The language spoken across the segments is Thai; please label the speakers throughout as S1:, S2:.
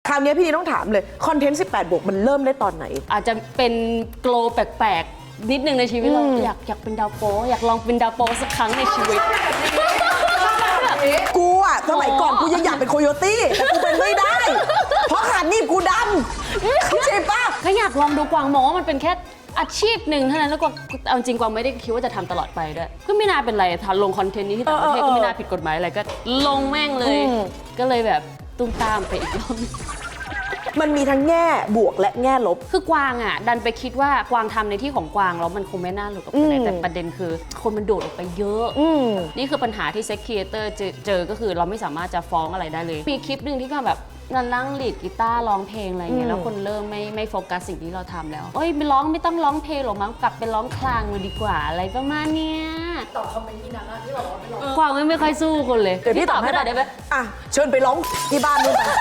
S1: คราวนี้พี่นีต้องถามเลยคอนเทนต์18 บวกมันเริ่มได้ตอนไหน
S2: อาจจะเป็นโกลแปลกๆนิดนึงในชีวิตเราอยากเป็นดาวโป๊อยากลองเป็นดาวโป๊สักครั้งในชีวิต
S1: กูอะสมัยก่อนกูยังอยากเป็นโคโยตี้แต่กูเป็นไม่ได้ เพราะขาหนีบกูดำเข้าใจปะ
S2: ก็อยากลองดูกวางมองว่ามันเป็นแค่อาชีพหนึ่งเท่านั้นแล้วก็เอาจริงกวางไม่ได้คิดว่าจะทำตลอดไปด้วยก็ไม่น่าเป็นไรถ้าลงคอนเทนต์นี้ที่ต่างประเทศก็ไม่น่าผิดกฎหมายอะไรก็ลงแม่งเลยก็เลยแบบตุ้มตามไปอีกรอบ
S1: มันมีทั้งแง่บวกและแง่ลบ
S2: คือกวางอ่ะดันไปคิดว่ากวางทำในที่ของกวางแล้วมันคงไม่น่าหลุดออกไปแต่ประเด็นคือคนมันโดดออกไปเยอะนี่คือปัญหาที่เซ็กครีเอเตอร์เจอก็คือเราไม่สามารถจะฟ้องอะไรได้เลยมีคลิปหนึ่งที่ก็แบบนั่งลีดกีตาร์ร้องเพลงอะไรเงี้ยแล้วคนเริ่มไม่โฟกัสสิ่งที่เราทำแล้วเอ้ยไม่ต้องร้องเพลงหรอกมั้งกลับไปร้องคลางมาดีกว่าอะไรประมาณเนี้ย
S3: ตอบคอมเมนต์ที่นั้นที่บอกว่าไม่ร้อง
S2: กวางไม่ค่อยสู้คนเลย
S1: เดี๋ยวพี่ตอบให้ได้ไหมอ่ะเชิญไปร้องที่บ้านนู่นไป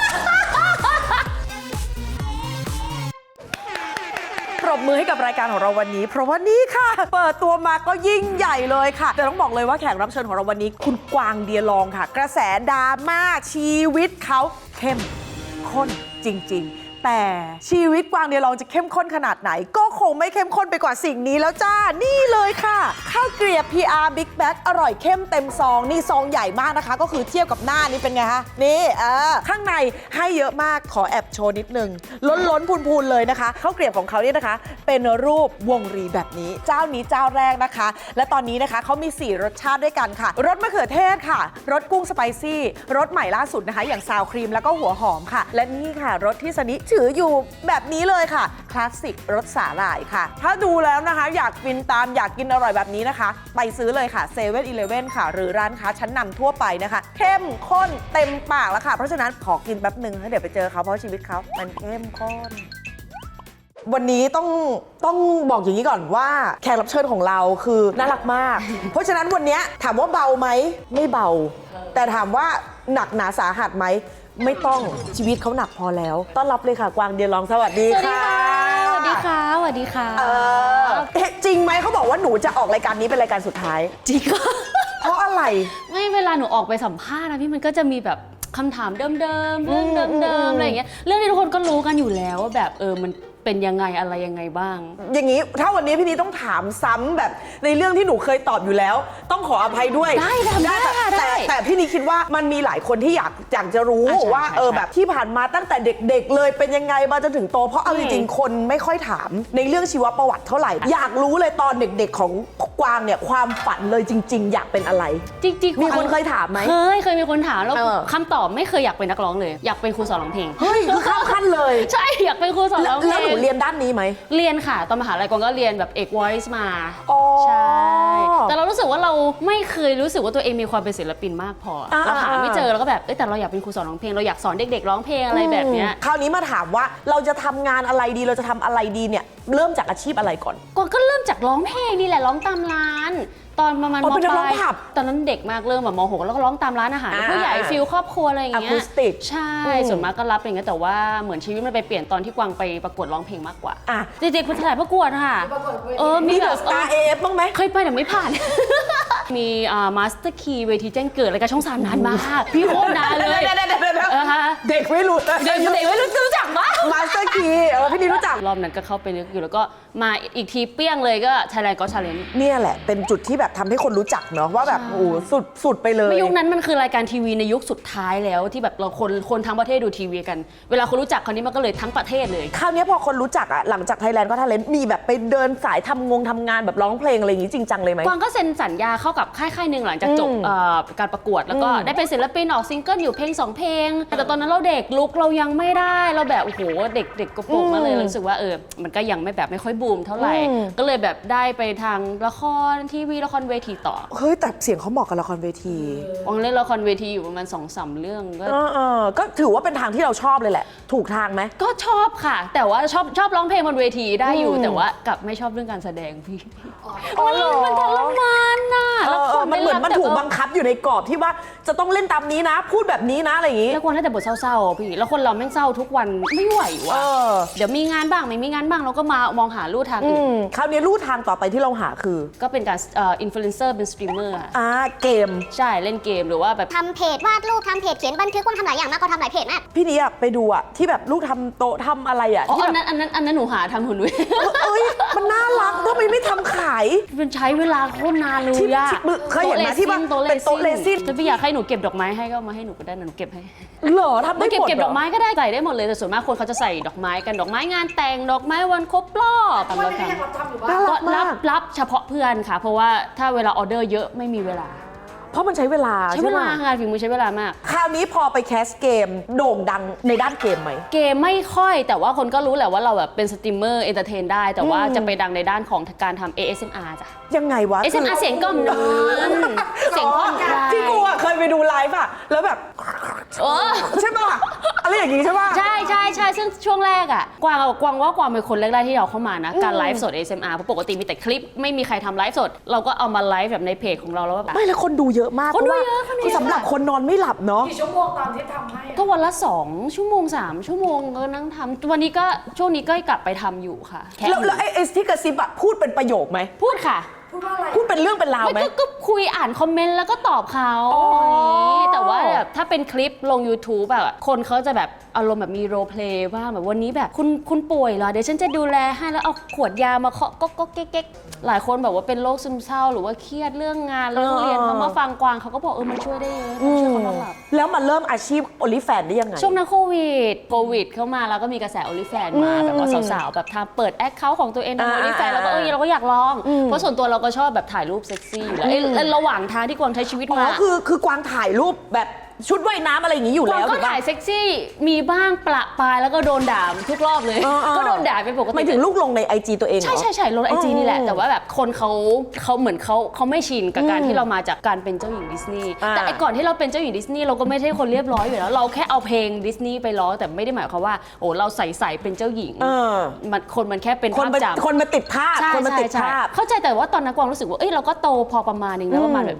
S1: ปรบมือให้กับรายการของเราวันนี้เพราะว่านี่ค่ะเปิดตัวมาก็ยิ่งใหญ่เลยค่ะแต่ต้องบอกเลยว่าแขกรับเชิญของเราวันนี้คุณกวางเดียลองค่ะกระแสดราม่าชีวิตเขาเข้มข้นจริงๆแต่ชีวิตกวางเดียลองจะเข้มข้นขนาดไหนก็คงไม่เข้มข้นไปกว่าสิ่งนี้แล้วจ้านี่เลยค่ะข้าวเกรียบ PR Big Bag อร่อยเข้มเต็มซองนี่ซองใหญ่มากนะคะก็คือเทียบกับหน้านี่เป็นไงคะนี่ข้างในให้เยอะมากขอแอบโชว์นิดนึงล้นพูนๆเลยนะคะข้าวเกรียบของเขาเนี่ยนะคะเป็นรูปวงรีแบบนี้เจ้านี้เจ้าแรกนะคะและตอนนี้นะคะเขามี4รสชาติด้วยกันค่ะรสมะเขือเทศค่ะรสกุ้งสไปซี่รสใหม่ล่าสุดนะคะอย่างซาวครีมแล้วก็หัวหอมค่ะและนี่ค่ะรสที่สนิถืออยู่แบบนี้เลยค่ะคลาสสิกรสสาหร่ายค่ะถ้าดูแล้วนะคะอยากฟินตามอยากกินอร่อยแบบนี้นะคะไปซื้อเลยค่ะเซเว่นอีเลฟเว่นค่ะหรือร้านค้าชั้นนำทั่วไปนะคะเข้มข้นเต็มปากแล้วค่ะเพราะฉะนั้นขอกินแป๊บหนึ่งแล้วเดี๋ยวไปเจอเขาเพราะชีวิตเขามันเข้มข้นวันนี้ต้องบอกอย่างนี้ก่อนว่าแขกรับเชิญของเราคือน่ารักมาก เพราะฉะนั้นวันนี้ถามว่าเบาไหมไม่เบาแต่ถามว่าหนักหนาสาหัสไหมไม่ต้องชีวิตเขาหนักพอแล้วต้อนรับเลยค่ะกวางเดียลองสวัสดีค่ะ
S2: สวัสดีค่ะสวัสดีค่ะ
S1: จริงไหมเขาบอกว่าหนูจะออกรายการนี้เป็นรายการสุดท้าย
S2: จริงก็
S1: เพราะอะไร
S2: ไม่เวลาหนูออกไปสัมภาษณ์นะพี่มันก็จะมีแบบคำถามเดิมๆเรื่องเดิมๆอะไรอย่างเงี้ยเรื่องที่ทุกคนก็รู้กันอยู่แล้วว่าแบบมันเป็นยังไงอะไรยังไงบ้าง
S1: อย่างนี้ถ้าวันนี้พี่นีต้องถามซ้ำแบบในเรื่องที่หนูเคยตอบอยู่แล้วต้องขออภัยด้วย
S2: ได้
S1: แต่พี่นีคิดว่ามันมีหลายคนที่อยากจะรู้ว่าแบบที่ผ่านมาตั้งแต่เด็กๆเลยเป็นยังไงมาจนถึงโตเพราะเอาจริงๆคนไม่ค่อยถามในเรื่องชีวประวัติเท่าไหร่อยากรู้เลยตอนเด็กๆของกวางเนี่ยความฝันเลยจริงๆอยากเป็นอะไร
S2: จริง
S1: ๆมีคนเคยถามไหม
S2: เคยมีคนถามแล้วคำตอบไม่เคยอยากเป็นนักร้องเลยอยากเป็นครูสอนร้องเพลง
S1: เฮ้ยคือข้ามขั้นเลย
S2: ใช่อยากเป็นครูสอนร้องเพลง
S1: แล้วหนูเรียนด้านนี้ไหม
S2: เรียนค่ะตอนมหาลัยกวางก็เรียนแบบเอก voice มาใช่แต่เรารู้สึกว่าเราไม่เคยรู้สึกว่าตัวเองมีความเป็นศิลปินมากพอเราหาไม่เจอแล้วก็แบบแต่เราอยากเป็นครูสอนร้องเพลงเราอยากสอนเด็กๆร้องเพลงอะไรแบบเนี้ย
S1: คราวนี้มาถามว่าเราจะทำงานอะไรดีเราจะทำอะไรดีเนี่ยเริ่มจากอาชีพอะไรก่อน
S2: กวางก็เริ่มจากร้องเพลงนี่แหละร้องตามร้านตอนประมาณม.ปลายตอนนั้นเด็กมากเริ่มแบบม.6แล้วก็ร้องตามร้านอาหารผู้ใหญ่ฟิลครอบครัวอะไรอย่างเงี้ยใช่ส่วนมากก็รับอย่างเงี้ยแต่ว่าเหมือนชีวิตมันไปเปลี่ยนตอนที่กวางไปประกวดร้องเพลงมากกว่าเด็กๆคนถ่ายประกวดค่ะ
S1: มีแบบสตาร์เอฟบ้างไหม
S2: เคยไปแต่ไม่ผ่านมีมาสเตอร์คีเวทีแจ้งเกิดอะไรกับช่อง3นานมากพี่โคตรนานเลย
S1: เด็กไม่รู้
S2: เด็กไม่รู้จักมั้ย
S1: มาสเตอร์คีพี่นี่รู้จัก
S2: รอบนั้นก็เข้าไปนึกอยู่แล้วก็มาอีกทีเปี้ยงเลยก็ Thailand Got Talent
S1: เนี่ยแหละเป็นจุดที่แบบทำให้คนรู้จักเนาะว่าแบบโอ้สุดไปเลย
S2: ในยุคนั้นมันคือรายการทีวีในยุคสุดท้ายแล้วที่แบบเราคนทั้งประเทศดูทีวีกันเวลาคนรู้จักคราวนี้มันก็เลยทั้งประเทศเลย
S1: คราวนี้พอคนรู้จักหลังจาก Thailand Got Talent มีแบบไปเดินสายทำงานแบบร้องเพลงอะไรอย่างงี้จริงจังเลยไหม
S2: กวางก็เซ็นสัญญาเข้ากับค่ายหนึ่งหลังจากจบการประกวดแล้วก็ได้เป็นศิลปินออกซิงเกิลอยู่เพลง2เพลงแต่ตอนนั้นเราเด็กลุกเรายังไม่ได้เราแบบโอ้โหเด็กกระโปรงมาเลยรู้สึกว่ามันก็ยังไม่ค่อยบูมเท่าไหร่ก็เลยแบบได้ไปทางละครทีวีละครเวทีต่อ
S1: เฮ้ยแต่เสียงเขาเหมาะกับละครเวที
S2: วางเล่นละครเวทีอยู่ประมาณ 2-3 เรื่อง
S1: ก็ถือว่าเป็นทางที่เราชอบเลยแหละถูกทางไหม
S2: ก็ชอบค่ะแต่ว่าชอบร้องเพลงบนเวทีได้อยู่แต่ว่ากับไม่ชอบเรื่องการแสดงพี่มันทรมานน่ะ
S1: มันเหมือนมันถูกบังคับอยู่ในกรอบที่ว่าจะต้องเล่นตามนี้นะพูดแบบนี้นะอะไรอย่างงี้
S2: แล้วคนได้แต่บทเศร้าๆพี่แล้วคนเราแม่งเศร้าทุกวันไม่ไหววะเดี๋ยวมีงานบ้างไม่มีงานบ้างเราก็มามองหาลู่ทางอื่น
S1: คราวนี้ลู่ทางต่อไปที่เราหาคือ
S2: ก็เป็นการอินฟลูเอนเซอร์เป็นสตรีมเมอร์
S1: เกม
S2: ใช่เล่นเกมหรือว่าแบบ
S4: ทำเพจวาดรูปทำเพจเขียนบันทึกว่าทำหลายอย่างมากก็ทำหลายเพจมาก
S1: พี่นี้ไปดูที่แบบลูกทำโต๊ะทำอะไร
S2: อ๋อ
S1: ที่
S2: อั
S1: แบ
S2: น
S1: บ
S2: นั้นหนูหาทำหุ่นด้วย
S1: เอ้ยมันน่ารักทำไมไม่ทำขาย
S2: มันใช้เวลาโคตรนานเลย
S1: ที่
S2: อะ
S1: เคยเห็นไหมที่ว่าเป็นโต๊ะเรซิน
S2: จะพี่อยากให้หนูเก็บดอกไม้ให้ก็เอามาให้หนูก็ได้นะหนูเก็บให้
S1: เหรอทำได้
S2: เก็บ
S1: หมด
S2: เก็บ
S1: เหร
S2: ดอกไม้ก็ได้ใส่ได้หมดเลยแต่ส่วนมากคนเขาจะใส่ดอกไม้กันดอกไม้งานแต่งดอกไม้วันครบรอบ
S3: วันนี้ยังรับทำอยู่บ้าง
S1: น่ารั
S2: ก็
S1: กมาก
S2: รับเฉพาะเพื่อนค่ะ เพราะว่าถ้าเวลาออเดอร์เยอะไม่มีเวลา
S1: เพราะมันใช้เวลา
S2: ใช้เวลา
S1: ใช่ไหม
S2: งานฝีมือใช้เวลามาก
S1: คราวนี้พอไปแคสเกมโด่งดังในด้านเกมไหม
S2: เกมไม่ค่อยแต่ว่าคนก็รู้แหละว่าเราแบบเป็นสตรีมเมอร์เอนเตอร์เทนได้ แต่ว่าจะไปดังในด้านของการทำ ASMR จ้ะ
S1: ยังไงวะ
S2: ASMR เสียงกล่อมนอนเสียงผ่อนคลาย
S1: ที่กูเคยไปดูไลฟ์แล้วแบบ
S2: เออ
S1: ใช่ป่ะอะไรอย่างงี้ใช่ป่ะ
S2: ใช่ซึ่งช่วงแรกอะกวางว่ากวางเป็นคนแรกๆที่เราเข้ามานะการไลฟ์สด ASMR เพราะปกติมีแต่คลิปไม่มีใครทำไลฟ์สด เราก็เอามาไลฟ์แบบในเพจของเราแล้วแบบ
S1: ไม่แล้วคนดูเยอะมาก
S2: คนดู
S1: พราว่า
S2: เยอะคนดูเยอะ
S1: คือสำหรับคนนอนไม่หลับเนาะ
S3: กี่ชั่วโมงตอนที่ทำให้อะ
S2: ก็วันละ2 ชั่วโมง 3 ชั่วโมงก็นั่งทำวันนี้ก็ช่วงนี้ก็กลับไปทำอยู่ค่ะแค่
S1: แล้วไอ้ที่กระซิบพูดเป็นประโยคไหม
S2: พูดค่ะ
S3: พูดว่าอะไร
S1: พูดเป็นเรื่องเป็นราวไหม
S2: ก็คุยอ่านคอมเมนต์แล้วก็ตอบเขา
S1: อ๋ออ
S2: แต่ว่าแบบถ้าเป็นคลิปลง YouTube แบบคนเขาจะแบบอารมณ์แบบมีโรลเพลย์บ้างแบบวันนี้แบบคุณป่วยเหรอเดี๋ยวฉันจะดูแลให้แล้วเอาขวดยามาเคาะก็เก๊กหลายคนแบบว่าเป็นโรคซึมเศร้าหรือว่าเครียดเรื่องงานเรื่องเรียนเขามาฟังกวางเขาก็บอกมันช่วยได้เยอะมันช่วยเขานอนหลับ
S1: แล้วมาเริ่มอาชีพโอลิแฟนได้ยังไง
S2: ช่วงนั้นโควิดเข้ามาแล้วก็มีกระแสโอลิแฟนมาแบบว่าสาวๆแบบทำเปิดแอคเคาท์ของตัวเองในโอลิแฟนแล้วก็เราก็อยากลอง เพราะส่วนตัวเราก็ชอบแบบถ่ายรูปเซ็กซี่อยู่แล้วระหว่างทางที่กวางใช้ชีวิต
S1: อ๋
S2: มา
S1: อคือกวางถ่ายรูปแบบชุดว่ายน้ำอะไรอย่างนี้อยู่
S2: กวา
S1: แล้
S2: ง
S1: ว
S2: ก็
S1: ถูกปะ
S2: ถ่ายเซ็กซี่มีบ้างประปรายแล้วก็โดนด่าทุกรอบเลย ก็โดนด่าเป็นปกติ
S1: ไม่ถึงลูกลงใน IG ตัวเองเหรอ
S2: ใช่ลงไอจีนี่แหละ แต่ว่าแบบคนเขาเหมือนเขาไม่ชินกับการที่เรามาจากการเป็นเจ้าหญิงดิสนีย์แต่ไอก่อนที่เราเป็นเจ้าหญิงดิสนีย์เราก็ไม่ใช่คนเรียบร้อยอยู่แล้วเราแค่เอาเพลงดิสนีย์ไปร้องแต่ไม่ได้หมายความว่าโอ้เราใส่เป็นเจ้าหญิงมันแค่เป็น
S1: คน
S2: ภาพ
S1: มา
S2: จำ
S1: คนมาติดภาพ
S2: ใช่
S1: คนมาติด
S2: ใช่
S1: ภาพ
S2: เข้าใจแต่ว่าตอนนั้นกวางรู้สึกว่าเราก็โตพอประมาณนึงแล้วประมาณแบบ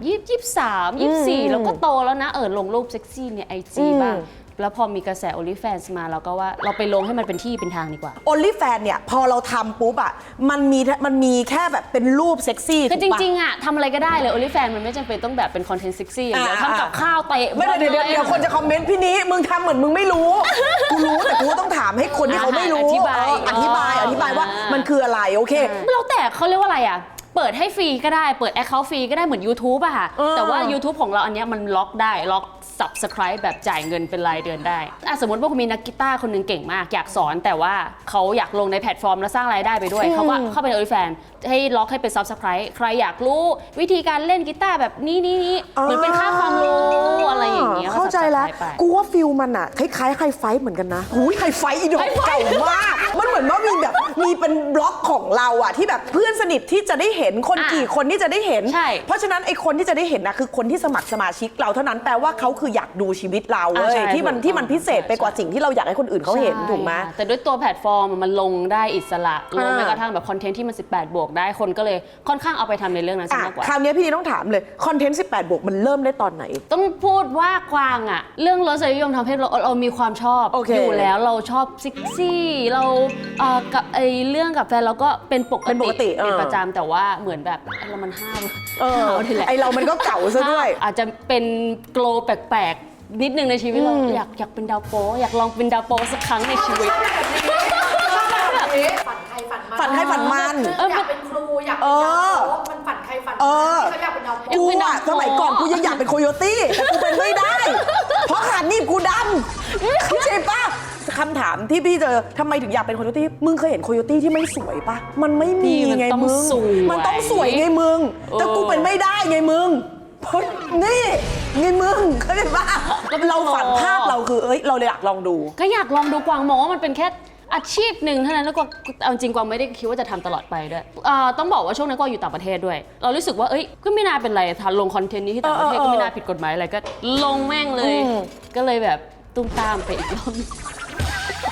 S2: 23 24แล้วก็โตแล้วนะลงรูปเซ็กซี่ในไอจีบ้างแล้วพอมีกระแส OnlyFans มาเราก็ว่าเราไปลงให้มันเป็นที่เป็นทางดีกว่า
S1: โอลิแฟนเนี่ยพอเราทำปุ๊บมันมีแค่แบบเป็นรูปเซ็กซี่
S2: คือจ
S1: ถูกปะ
S2: ริงๆทำอะไรก็ได้เลย OnlyFans มันไม่จำเป็นต้องแบบเป็นคอนเทนต์เซ็กซี่อย่างเดียวทำกับข้าวเตะ
S1: ไม่ได้เดี๋ยวคนจะคอมเมนต์พี่นี้มึงทำเหมือนมึงไม่รู้ กูรู้แต่กูต้องถามให้คนที่เขาไม่รู้
S2: อธิบาย
S1: อธิบายว่ามันคืออะไรโอเค
S2: แล้วแต่เขาเรียกว่าอะไรเปิดให้ฟรีก็ได้เปิด Account ฟรีก็ได้เหมือน YouTube อะค่ะแต่ว่า YouTube ของเราอันเนี้ยมันล็อกได้ล็อก Subscribe แบบจ่ายเงินเป็นรายเดือนได้สมมติว่าคุณมีนักกีตาร์คนหนึงเก่งมากอยากสอนแต่ว่าเขาอยากลงในแพลตฟอร์มแล้วสร้างรายได้ไปด้วยเขาก็เข้าไปใน OnlyFans ให้ล็อกให้เป็น Subscribe ใครอยากรู้วิธีการเล่นกีตาร์แบบนี้เหมือนเป็นค่าความรู้อะไรอย่างเงี้ย
S1: เข้าใจแล้ว
S2: Subscribe ไป
S1: กูว่าฟิลมันคล้ายๆไฮไฟท์เหมือนกันนะหูยไฮไฟท์อีดอกเก่ามากมันเหมือนว่ามีเป็นบล็อกของเราที่แบบเพื่อนสนิทที่จะได้เห็นคนกี่คนที่จะได้เห็น
S2: ใช่
S1: เพราะฉะนั้นไอ้คนที่จะได้เห็นคือคนที่สมัครสมาชิกเราเท่านั้นแปลว่าเขาคืออยากดูชีวิตเราเว้ย
S2: ใช่
S1: ที่มันพิเศษไปกว่าสิ่งที่เราอยากให้คนอื่นเขาเห็น
S2: ใช่
S1: ถูกไหม
S2: ค่ะแต่ด้วยตัวแพลตฟอร์มมันลงได้อิสระลงแม้กระทั่งแบบคอนเทนต์ที่มัน18 บวกได้คนก็เลยค่อนข้างเอาไปทำในเรื่องนั้นซะมากกว่า
S1: คราวนี้พี่ต้องถามเลยคอนเทนต์18 บวกมันเริ่มได้ตอนไหน
S2: ต้องพูดว่ากวางเรื่องรสนิยมทางเพศเรามีความชอบ
S1: โอเค
S2: อยู่แล้วเราชอบเซ็กซี่เรากับเรื่องกับแฟนเราก็เป็นปกติ เป็นประจำแต่ว่าเหมือนแบบเรามันห้าวทีแหละ
S1: ไอเรามันก็เก่าซะด้วย
S2: อาจจะเป็นโกลแปลกๆนิดนึงในชีวิตเราอยากเป็นดาวโป๊อยากลองเป็นดาวโป๊สักครั้งในชีวิต
S3: ฝันใครฝันมัน
S1: ฝันใครฝันมัน
S3: อยากเป็นครูอยากเป็นดาวโป๊มันฝันใครฝันมันเขาอยากเป็นดาวโป๊
S1: กูสมัยก่อนกูยังอยากเป็นโคโยตี้แต่กูเป็นไม่ได้ เพราะขาหนีบกูดำเข้าใจปะคำถามที่พี่เจอทำไมถึงอยากเป็นโคโยตี้มึงเคยเห็นโคโยตี้ที่ไม่สวยปะมันไม่มีไงมึงมันต้องสวยไงมึงแต่กูเป็นไม่ได้ไงมึงเพราะนี่ไงมึงเข้าใจปะเราฝันภาพเราคือเราเลยอยากลองดู
S2: ก็อยากลองดูกวางมองว่ามันเป็นแค่อาชีพหนึ่งเท่านั้นแล้วกวางเอาจริงกวางไม่ได้คิดว่าจะทำตลอดไปด้วยต้องบอกว่าช่วงนั้นกวางอยู่ต่างประเทศด้วย เรารู้สึกว่าก็ไม่น่าเป็นไรถ้าลงคอนเทนต์นี้ที่ต่างประเทศก็ไม่น่าผิดกฎหมายอะไรก็ลงแม่งเลย ก็เลยแบบตุ้มตามไปอีกรอบ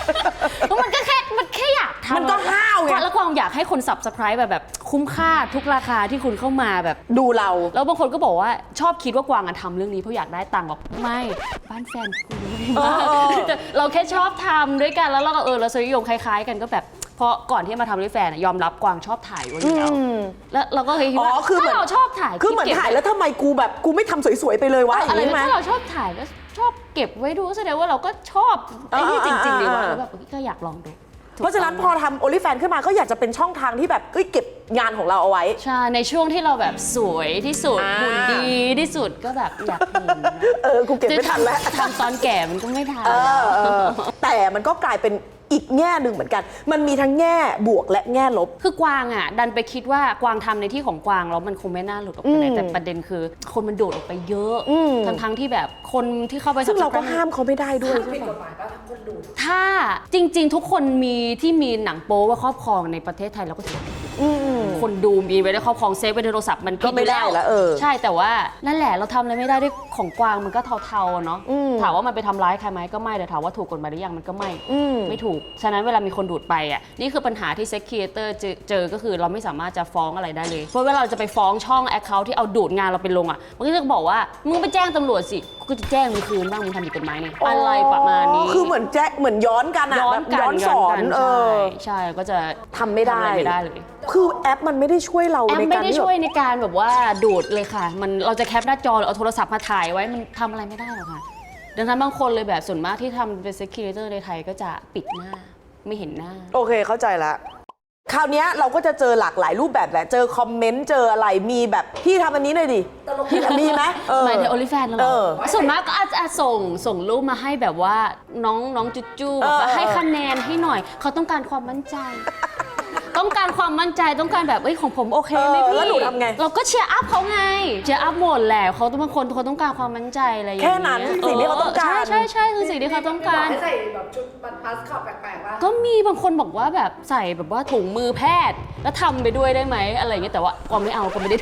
S2: มันแค่อยากทำ
S1: มันก็ห้าวไง
S2: แล้วกวางอยากให้คน subscribe แบบคุ้มค่าทุกราคาที่คุณเข้ามาแบบ
S1: ดูเรา
S2: แล้วบางคนก็บอกว่าชอบคิดว่ากวางทำเรื่องนี้เพราะอยากได้ตังค์บอกไม่บ้านแฟนกูแต่เราแค่ชอบทำด้วยกันแล้วเราก็เราสนิยมคล้ายๆกันก็แบบเพราะก่อนที่มาทำด้วยแฟนยอมรับกวางชอบถ่ายไว้อยู่แล้วเราก็เคยคิดว่า
S1: คือเหมือน
S2: ถ้าเราชอบถ่าย
S1: คือเหมือนถ่ายแล้วทำไมกูไม่ทำสวยๆไปเลยวะอย่างนี้ไหม
S2: ถ้าเราชอบถ่ายก็ชอบเก็บไว้ดูแสดงว่าเราก็ชอบไอ้นี่จริงๆดีว่าแล้วแบบก็อยากลองดู
S1: เพราะฉะนั้นพอทำ OnlyFans ขึ้นมาก็อยากจะเป็นช่องทางที่แบบเก็บงานของเราเอาไว้
S2: ใช่ในช่วงที่เราแบบสวยที่สุดหุ่นดีที่สุดก็แบบอยากเห็น
S1: กูเก็บไม่ทันแล้ว
S2: ทำตอนแก่มันก็ไม่ทัน
S1: แต่มันก็กลายเป็นอีกแง่หนึ่งเหมือนกันมันมีทั้งแง่บวกและแง่ลบ
S2: คือกวางดันไปคิดว่ากวางทำในที่ของกวางแล้วมันคงไม่น่าหลุดออกไปไหนแต่ประเด็นคือคนมันโดดออกไปเยอะทั้งที่แบบคนที่เข้าไป
S1: ซึ่งเราก็ห้ามเขาไม่ได้ด้วย
S3: ผิดกฎหมายป่ะทั้งคนดู
S2: ถ้าจริงๆทุกคนมีหนังโป๊ว่าครอบครองในประเทศไทยเราก็ถือคนดูมีไว้ในครอบครองเซฟไว้ในโทรศัพท์มัน
S1: ก็ไม่ได้แล้ว
S2: ใช่แต่ว่านั่นแหละเราทำอะไรไม่ได้ด้วยของกวางมันก็เทาๆเนาะถามว่ามันไปทำร้ายใครไหมก็ไม่แต่ถามว่าถูกกฎหมายหรือยังมันก็ไม่ถูกฉะนั้นเวลามีคนดูดไปนี่คือปัญหาที่เซ็กครีเอเตอร์เจอก็คือเราไม่สามารถจะฟ้องอะไรได้เลยเพราะเวลาเราจะไปฟ้องช่องแอคเคาท์ที่เอาดูดงานเราไปลงมันก็จะบอกว่ามึงไปแจ้งตำรวจสิก็จะแจ้งมึงคืนบ้างมึงทำผิดกฎหมายนี่อะไรประมาณนี้
S1: คือเหมือนย้อนกันย้อนสอน
S2: ใช่ก็จะ
S1: ทำไม่ได้
S2: เลย
S1: คือแอปมันไม่ได้ช่วยเรา
S2: แอปไม่ได้ช่วยในการแบบว่าดูดเลยค่ะมันเราจะแคปหน้าจอเอาโทรศัพท์มาถ่ายไว้มันทำอะไรไม่ได้หรอกค่ะดังนั้นบางคนเลยแบบส่วนมากที่ทำเป็นเซ็กครีเอเตอร์ในไทยก็จะปิดหน้าไม่เห็นหน้า
S1: โอเคเข้าใจละคราวนี้เราก็จะเจอหลากหลายรูปแบบแหละเจอคอมเมนต์เจออะไรมีแบบพี่ทำอันนี้หน่อยดิพี่มีไหม
S2: หมายถึงโอลิแฟนเหรอส่วนมากก็อาจจะส่งรูปมาให้แบบว่าน้องจุ๊แบบให้คะแนนให้หน่อยเขาต้องการความมั่นใจต้องการความมั่นใจต้องการแบบของผมโอเคไหมพี่
S1: แล้วหนูทำไง
S2: เราก็เชียร์อัพเขาไงเชียร์อัพหมดแหละเขาบางคนเขาต้องการความมั่นใจอะไรอย่างเงี้ย
S1: แค่นั้นสิ่งที่เขาต้องการ
S2: ใช่คือสิ่งที่เขาต้องการ
S3: ใส่แบบชุดบัสคอตแปลกๆว่า
S2: ก็มีบางคนบอกว่าแบบใส่แบบว่าถุงมือแพทย์แล้วทำไปด้วยได้ไหมอะไรอย่างเงี้ยแต่ว่าก็ไม่เอาก็ไม่ได้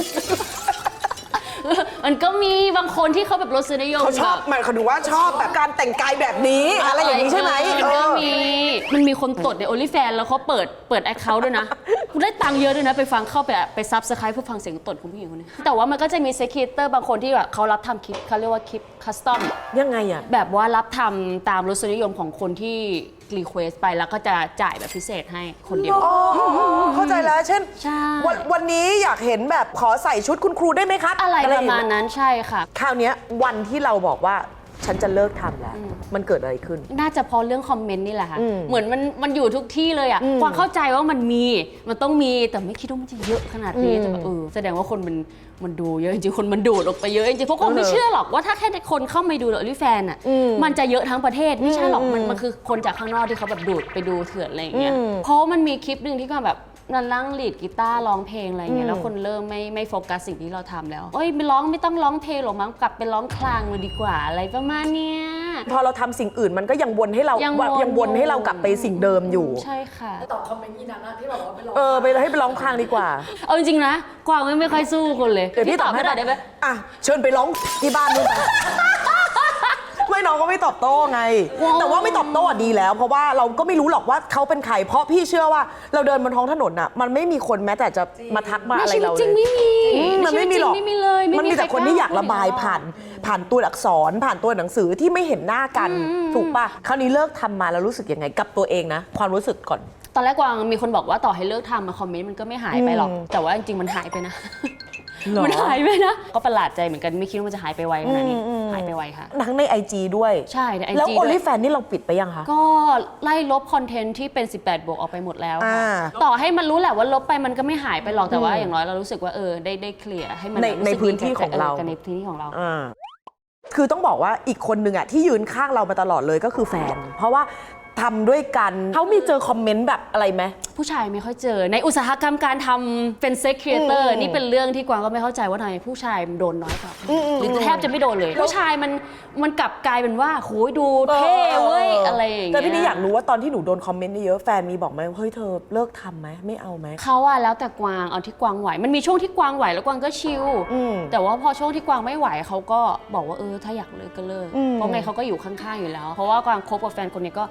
S2: มันก็มีบางคนที่เขาแบบรสนิยม
S1: เขาชอบมันเขาดูว่าชอบแบบการแต่งกายแบบนี้อะไรอย่างนี้ใช่ไหม
S2: มันก็มีคนตดใน OnlyFans แล้วเขาเปิด account ด้วยนะคุณได้ตังค์เยอะด้วยนะไปฟังเข้าไป subscribe เพื่อฟังเสียงตดของผู้หญิงคนนี้แต่ว่ามันก็จะมีเซ็กครีเอเตอร์บางคนที่แบบเขารับทำคลิปเขาเรียกว่าคลิปคัสตอม
S1: ยังไงอ่ะ
S2: แบบว่ารับทำตามรสนิยมของคนที่รีเควสไปแล้วก็จะจ่ายแบบพิเศษให้คนเดียว
S1: เข้าใจแล้วเช่น วันนี้อยากเห็นแบบขอใส่ชุดคุณครูได้ไหมครับ
S2: อะไรประมาณนั้นใช่ค่ะ
S1: คราวนี้วันที่เราบอกว่าฉันจะเลิกทำแล้วมันเกิดอะไรขึ้น
S2: น่าจะพอเรื่องคอมเมนต์นี่แหละค่ะเหมือนมันอยู่ทุกที่เลยความเข้าใจว่ามันต้องมีแต่ไม่คิดว่ามันจะเยอะขนาดนี้แต่แบบแสดงว่าคนมันดูเยอะจริงๆคนมันดูดออกไปเยอะจริงๆเพราะคนไม่เชื่อหรอกว่าถ้าแค่คนเข้ามาดูโอลิแฟนมันจะเยอะทั้งประเทศไม่ใช่หรอกมันคือคนจากข้างนอกที่เขาแบบดูดไปดูเถื่อนอะไรอย่างเงี้ยเพราะมันมีคลิปหนึ่งที่เขาแบบนั่งลีดกีตาร์ร้องเพลงอะไรเงี้ยแล้วคนเริ่มไม่โฟกัสสิ่งที่เราทำแล้วไม่ต้องร้องเพลงหรอกมั้งกลับไปร้องคลางเลยดีกว่าอะไรประมาณเนี้ย
S1: พอเราทำสิ่งอื่นมันก็ยังวนให้เราให้เรากลับไปสิ่งเดิมอยู่
S2: ใช่ค่ะ
S3: ตอบคอมเมนต์นี้นะที่บอกว่าไปร้อง
S1: ไปให้ไปร้องคลางดีกว่า
S2: เอาจริงๆนะกวางไม่ค่อยสู้คนเลย
S1: เดี๋ยวพี่ตอบให้ได้ไหมเชิญไปร้องที่บ้านนู่นไม่น้องก็ไม่ตอบโต้ไงแต่ว่าไม่ตอบโต้ดีแล้วเพราะว่าเราก็ไม่รู้หรอกว่าเขาเป็นใครเพราะพี่เชื่อว่าเราเดินบนท้องถนนอ่ะมันไม่มีคนแม้แต่จะมาทักมาอะไรเราเลย
S2: จริงไม่มี
S1: มันไม่มีหรอกมันมีแต่คนที่อยากระบายผ่านตัวอักษรผ่านตัวหนังสือที่ไม่เห็นหน้ากันถูกป่ะคราวนี้เลิกทำมาแล้วรู้สึกยังไงกับตัวเองนะความรู้สึกก่อน
S2: ตอนแรกกวางมีคนบอกว่าต่อให้เลิกทำมาคอมเมนต์มันก็ไม่หายไปหรอกแต่ว่าจริงๆมันหายไปนะมันหายไปนะก็ประหลาดใจเหมือนกันไม่คิดว่ามันจะหายไปไวขนาดนี้หายไปไวค่ะ
S1: ทั้งใน IG ด้วย
S2: ใช่ใน IG
S1: แล้ว OnlyFans นี่เราปิดไปยังคะ
S2: ก็ไล่ลบคอนเทนต์ที่เป็น18 บวกออกไปหมดแล้วต่อให้มันรู้แหละว่าลบไปมันก็ไม่หายไปหรอกแต่ว่าอย่างน้อยเรารู้สึกว่าได้เคลียร์ให้มัน
S1: ในพื้นที่ของเรา
S2: ในพื้นที่ของเรา
S1: คือต้องบอกว่าอีกคนนึงอ่ะที่ยืนข้างเรามาตลอดเลยก็คือแฟนเพราะว่าทำด้วยกันเขามีเจอคอมเมนต์แบบอะไรไหม
S2: ผู้ชายไม่ค่อยเจอในอุตสาหกรรมการทำเป็นเซ็กครีเอเตอร์นี่เป็นเรื่องที่กวางก็ไม่เข้าใจว่าทำไมผู้ชายโดนน้อยกว่าหรือแทบจะไม่โดนเลยผู้ชายมันกลับกลายเป็นว่าโหยดูเท่เว้ยอะไรอย่างเงี้ย
S1: แต่พี่นี่อยากรู้ว่าตอนที่หนูโดนคอมเมนต์เยอะแฟนมีบอกไหมเฮ้ยเธอเลิกทำไหมไม่เอาไหม
S2: เขาอะแล้วแต่กวางเอาที่กวางไหวมันมีช่วงที่กวางไหวแล้วกวางก็ชิลแต่ว่าพอช่วงที่กวางไม่ไหวเขาก็บอกว่าถ้าอยากเลิกก็เลิกเพราะไงเขาก็อยู่ข้างๆอยู่แล้วเพราะว่ากวางคบกับแฟนคนนี้ก็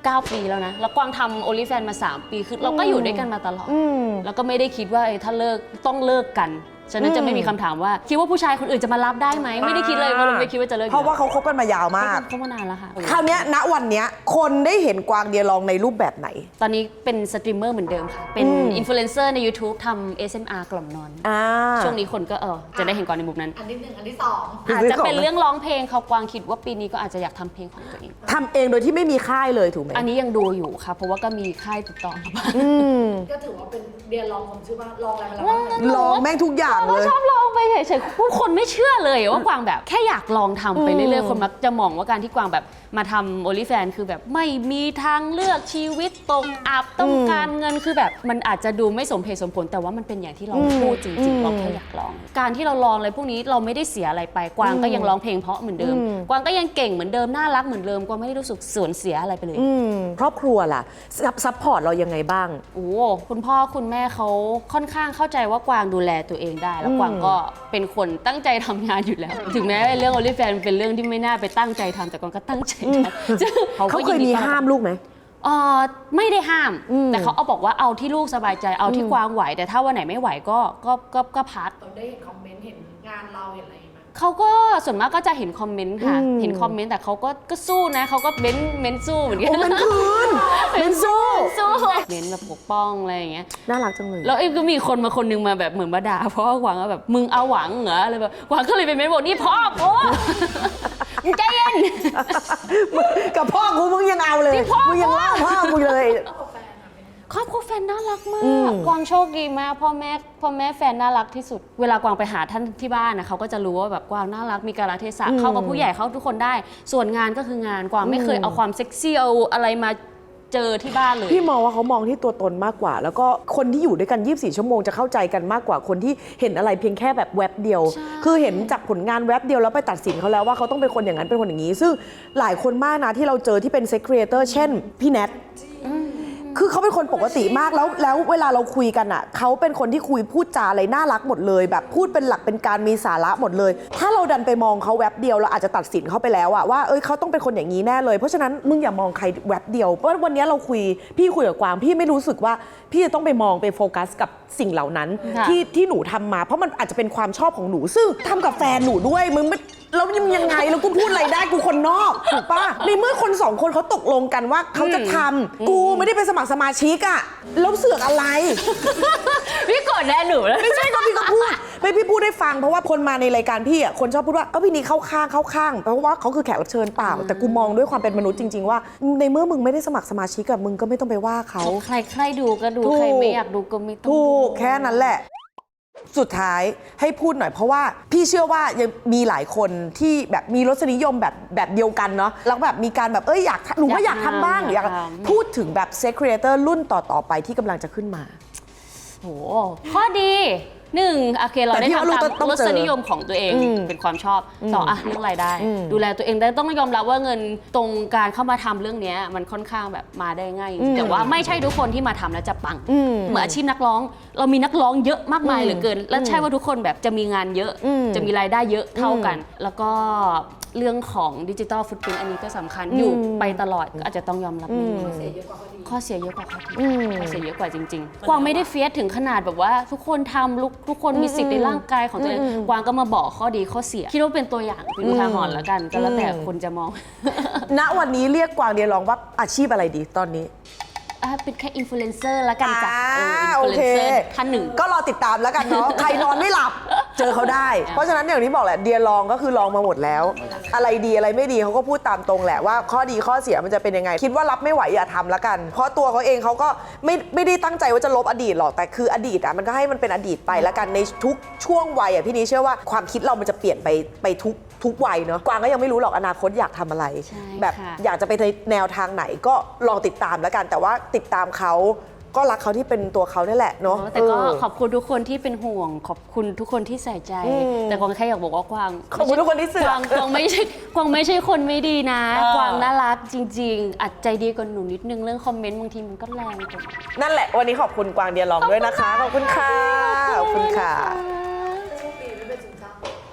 S2: 9 ปีแล้วนะแล้วกวางทำ OnlyFans มา3 ปีคือเราก็อยู่ด้วยกันมาตลอดแล้วก็ไม่ได้คิดว่าถ้าเลิกต้องเลิกกันฉะนั้นจะไม่มีคำถามว่าคิดว่าผู้ชายคนอื่นจะมารับได้ไหมไม่ได้คิดเลยเพราะเราไม่คิดว่าจะเลิก
S1: เพราะว่าเขาคบกันมายาวมาก
S2: เขามานานแล้วค่ะ
S1: คราวเนี้ยณวันเนี้ยคนได้เห็นกวางเดียลองในรูปแบบไหน
S2: ตอนนี้เป็นสตรีมเมอร์เหมือนเดิมค่ะเป็นอินฟลูเอนเซอร์ใน YouTube ทำ ASMR กล่อมนอนช่วงนี้คนก็จะได้เห็นกวางในมุมนั้น
S3: อันที่ 1 อันที่ 2
S2: อาจจะเป็นเรื่องร้องเพลงเขากวางคิดว่าปีนี้ก็อาจจะอยากทำเพลงของตัวเอง
S1: ทำเองโดยที่ไม่มีค่ายเลยถูกไหม
S2: อันนี้ยังดูอยู่ค่ะเพราะว่าก็มีค่ายติดต่อมาบ้าง
S3: ก็ถือว่าเป็นเดียลองผมชื่อว่าลองอะไรมาแล้วบ้าง
S1: ลองแม่งทุกอย่างเลย
S2: ชอบลองไปเฉยๆผู้คนไม่เชื่อเลยว่ากวางแบบแค่อยากลองทำไปเรื่อยๆคนมักจะมองว่าการที่กวางแบบมาทำ OnlyFans คือแบบไม่มีทางเลือกชีวิตตกอับต้องการเงินคือแบบมันอาจจะดูไม่สมเหตุสมผลแต่ว่ามันเป็นอย่างที่เราพูดจริงๆเราแค่อยากลอง การที่เราลองอะไรพวกนี้เราไม่ได้เสียอะไรไปกวางก็ยังร้องเพลงเพราะเหมือนเดิมกวางก็ยังเก่งเหมือนเดิมน่ารักเหมือนเดิมกวางไม่ได้รู้สึกสูญเสียอะไรไปเลย
S1: ครอบครัวล่ะซัพพอร์ตเรายังไงบ้าง
S2: โอ้คุณพ่อคุณแม่เขาค่อนข้างเข้าใจว่ากวางดูแลตัวเองได้ แล้วกวางก็เป็นคนตั้งใจทำงานอยู่แล้ว ถึงแม้เรื่อง OnlyFans เป็นเรื่องที่ไม่น่าไปตั้งใจทำแต่กวางก็ตั้งใจทำ
S1: เขาเคยมีห้ามลูกไหม
S2: ไม่ได้ห้าม แต่เขาเอาบอกว่าเอาที่ลูกสบายใจเอาที่กวางไหว แต่ถ้าวันไหนไม่ไหวก็พัก
S3: เราได้เห็นคอมเมนต์เห็นงานเราเห็นอะไรไหม
S2: เขาก็ส่วนมากก็จะเห็นคอมเมนต์ค่ะเห็นคอมเมนต์แต่เขาก็สู้นะเขาก็เม้นสู้เหมือนกัน
S1: โอ้มันคืนเป็นสู้
S2: สู้เม้นแบบปกป้องอะไรอย่างเงี้ย
S1: น่ารักจังเลย
S2: แล้วก็มีคนมาคนนึงมาแบบเหมือนมาด่าเพราะว่ากวางก็แบบมึงเอาหวังเหรออะไรแบบกวางก็เลยไปเม้นบอกนี่พ่อกูมึงใจเย็น
S1: กับพ่อกูมึงยังเอาเลย
S2: ที่พ่อ
S1: มึงยังว่าพ่อกูเลย
S2: ครอบครัวแฟนน่ารักมากกวางโชคดีมากพ่อแม่แฟนน่ารักที่สุดเวลากวางไปหาท่านที่บ้านนะเขาก็จะรู้ว่าแบบกวางน่ารักมีกาลเทศะเข้ากับผู้ใหญ่เข้าทุกคนได้ส่วนงานก็คืองานกวางไม่เคยเอาความเซ็กซี่เอาอะไรมาเจอที่บ้านเลย
S1: พี่มองว่าเขามองที่ตัวตนมากกว่า แล้วก็คนที่อยู่ด้วยกัน 24 ชั่วโมงจะเข้าใจกันมากกว่าคนที่เห็นอะไรเพียงแค่แบบแวบเดียว คือเห็นจากผลงานแวบเดียวแล้วไปตัดสินเขาแล้วว่าเขาต้องเป็นคนอย่างนั้นเป็นคนอย่างนี้ ซึ่งหลายคนมากนะที่เราเจอที่เป็นเซ็กครีเอเตอร์เช่นพี่แนทคือเขาเป็นคนปกติมากแล้วเวลาเราคุยกันอ่ะเขาเป็นคนที่คุยพูดจาอะไรน่ารักหมดเลยแบบพูดเป็นหลักเป็นการมีสาระหมดเลย ถ้าเราดันไปมองเขาแวบเดียวเราอาจจะตัดสินเขาไปแล้วอะว่าเขาต้องเป็นคนอย่างนี้แน่เลยเพราะฉะนั้นมึงอย่ามองใครแวบเดียวเพราะวันนี้เราพี่คุยกับกวางพี่ไม่รู้สึกว่าพี่จะต้องไปมองไปโฟกัสกับสิ่งเหล่านั้นที่หนูทำมาเพราะมันอาจจะเป็นความชอบของหนูซึ่งทำกับแฟนหนูด้วยมึงไม่แล้วยังไงแล้วกูพูดอะไรได้กูคนนอกถูกปะในเมื่อคน2 คนเขาตกลงกันว่าเขาจะทำกูไม่ได้ไปสมัครสมาชิกอะแล้วเสือกอะไร
S2: พี่กดแน่หนูแล้ว
S1: ไม่ใช่ก็พี่ก็พูดไม่พี่พูดได้ฟังเพราะว่าคนมาในรายการพี่อ่ะคนชอบพูดว่าพี่นี่เข้าข้างเพราะว่าเขาคือแขกรับเชิญเปล่าแต่กูมองด้วยความเป็นมนุษย์จริงๆว่าในเมื่อมึงไม่ได้สมัครสมาชิกกับมึงก็ไม่ต้องไปว่าเขา
S2: ใครดูก็ดูใครไม่อยากดูก็ไม่ต้อง
S1: ถูกแค่นั้นแหละสุดท้ายให้พูดหน่อยเพราะว่าพี่เชื่อว่ายังมีหลายคนที่แบบมีรสนิยมแบบเดียวกันเนาะแล้วแบบมีการแบบอยากหนูก็อยากทำบ้างอยากพูดถึงแบบเซ็กครีเอเตอร์รุ่นต่อไปที่กำลังจะขึ้นมา
S2: โหข้อดี1โอเคเราได้ทำตาม
S1: ต้อง
S2: ร
S1: เจอ
S2: สนิยมของตัวเองเป็นความชอบ2เรื่องรายได้ ดูแลตัวเองได้ต้องยอมรับว่าเงินตรงการเข้ามาทำเรื่องนี้มันค่อนข้างแบบมาได้ง่ายแต่ว่าไม่ใช่ทุกคนที่มาทำแล้วจะปังเหมือนอาชีพนักร้องเรามีนักร้องเยอะมากมายเหลือเกินและใช่ว่าทุกคนแบบจะมีงานเยอะจะมีรายได้เยอะเท่ากัน แล้วก็เรื่องของดิจิตอลฟุตพริ้นท์อันนี้ก็สำคัญอยู่ไปตลอดก็อาจจะต้องยอมรับข้อเสียเยอะกว่าข้อดีข้อเสียเยอะกว่าจริงๆกวางไม่ได้เฟียสถึงขนาดแบบว่าทุกคนทำทุกคนมีสิทธิ์ในร่างกายของตัวเองกวางก็มาบอกข้อดีข้อเสียคิดว่าเป็นตัวอย่างเป็นอุทาหรณ์แล้วกันก็แล้วแต่คนจะมอง
S1: ณวันนี้เรียกกวางเดียลองว่าอาชีพอะไรดีตอนนี้
S2: เป็นแค่อินฟลูเอนเซอร์ละกันจ้ะอิน
S1: โอ
S2: ฟลูเอ
S1: เคน
S2: เซอร์ท่านหนึ่ง
S1: ก็รอติดตามแล้วกันเนาะ ใครนอนไม่หลับเจอเขาได้ เพราะฉะนั้นอย่างที่บอกแหละเดียลองก็คือลองมาหมดแล้ว อะไรดีอะไรไม่ดีเขาก็พูดตามตรงแหละว่าข้อดีข้อเสียมันจะเป็นยังไง คิดว่ารับไม่ไหวอย่าทำแล้วกัน เพราะตัวเขาเองเขาก็ไม่ได้ตั้งใจว่าจะลบอดีตหรอกแต่คืออดีตอ่ะมันก็ให้มันเป็นอดีตไปแล้วกันในทุกช่วงวัยอ่ะพี่นี้เชื่อว่าความคิดเรามันจะเปลี่ยนไปทุกวัยเนาะกวางก็ยังไม่รู้หรอกอนาคตอยากทำอะไร แบบอยากจะไปในแนวทางไหนก็ลองติดตามแล้วกัน แต่ว่าติดตามเขาก็รักเขาที่เป็นตัวเขานี่แหละเนาะ
S2: แต่ก็ขอบคุณทุกคนที่เป็นห่วงขอบคุณทุกคนที่ใส่ใจ แต่กวางแค่อยากบอกว่ากวาง
S1: ขอบคุณทุกคนที่เสือก
S2: กวางไม่ใช่คนไม่ดีนะกวางน่ารักจริงๆอัดใจดีกว่าหนูนิดนึงเรื่องคอมเมนต์บางทีมันก็แรงกว่า
S1: นั่นแหละวันนี้ขอบคุณกวางเดียลองด้วยนะคะขอบคุณค่ะขอบคุณค่ะ
S3: โชคดีไม่เป็นซึมเศร้า
S1: จริง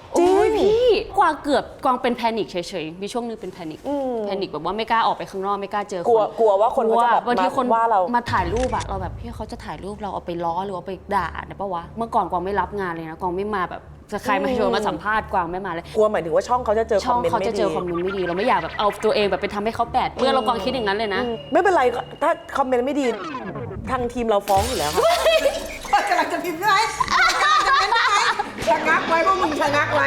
S2: พี่กวางเป็นแพนิคเฉยๆมีช่วงนึงเป็นแพนิคแบบว่าไม่กล้าออกไปข้างนอกไม่กล้าเจอคน
S1: กลัวว่าคนเขาจะแบบ
S2: บางทีคน
S1: ว่าเรา
S2: มาถ่ายรูปอะเราแบบพี่เขาจะถ่ายรูปเราเอาไปล้อหรือเอาไปด่าเนี่ยปะวะเมื่อก่อนกวางไม่รับงานเลยนะกวางไม่มาแบบจะใครมาชวนมาสัมภาษณ์กวางไม่มาเลย
S1: กลัวหมายถึงว่าช่องเขาจะเจอค
S2: ช่
S1: อ
S2: อ
S1: ม
S2: ง
S1: เมนต์
S2: เขา
S1: ไม่
S2: จะเจ
S1: ดี
S2: อคอมเมนต์ไม่ดีเราไม่อยากแบบเอาตัวเองแบบไปทำให้เขาแปดเปื้อนเรากวางคิดอย่างนั้นเลยนะ
S1: ไม่เป็นไรถ้าคอมเมนต์ไม่ดีทางทีมเราฟ้องอยู่แล้วค่ะกำลังจะพิมพ์ได้ชะงักไว้พวกมึงชะงักไว้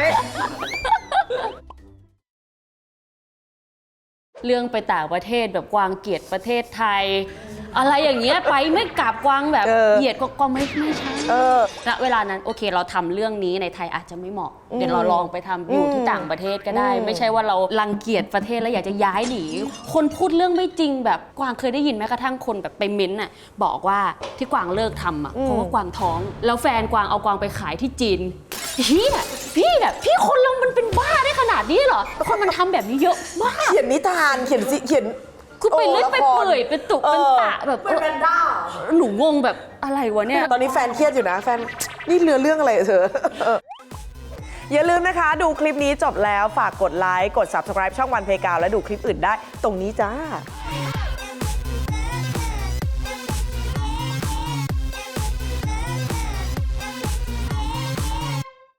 S2: เรื่องไปต่างประเทศแบบกวางเกลียดประเทศไทย อะไรอย่างเงี้ยไปไม่กลับกวางแบบเหยียดก็ไม่ใช่ณเวลานั้นโอเคเราทำเรื่องนี้ในไทยอาจจะไม่เหมาะเดี๋ยวเราลองไปทำอยู่ที่ต่างประเทศก็ได้ ไม่ใช่ว่าเรารังเกียจประเทศแล้วอยากจะย้ายหนีคนพูดเรื่องไม่จริงแบบกวางเคยได้ยินแม้กระทั่งคนแบบไปเม้นต์น่ะบอกว่าที่กวางเลิกทำอ่ะเพราะว่ากวางท้องแล้วแฟนกวางเอากวางไปขายที่จีนพี่แบบพี่คนเรามันเป็นบ้าได้ขนาดนี้เหรอคนมันทำแบบนี้เยอะมาก
S1: เขียนนิทานเขียน
S2: คือไปเล่นไปเปื่อยไปตุกเป็นตะแบบ
S3: เป็นแพนด้า
S2: หนูงงแบบอะไรวะเนี่ย
S1: ตอนนี้แฟนเครียดอยู่นะแฟนนี่เรื่องอะไรเธออย่าลืมนะคะดูคลิปนี้จบแล้วฝากกดไลค์กด subscribe ช่องวันเพกาวและดูคลิปอื่นได้ตรงนี้จ้า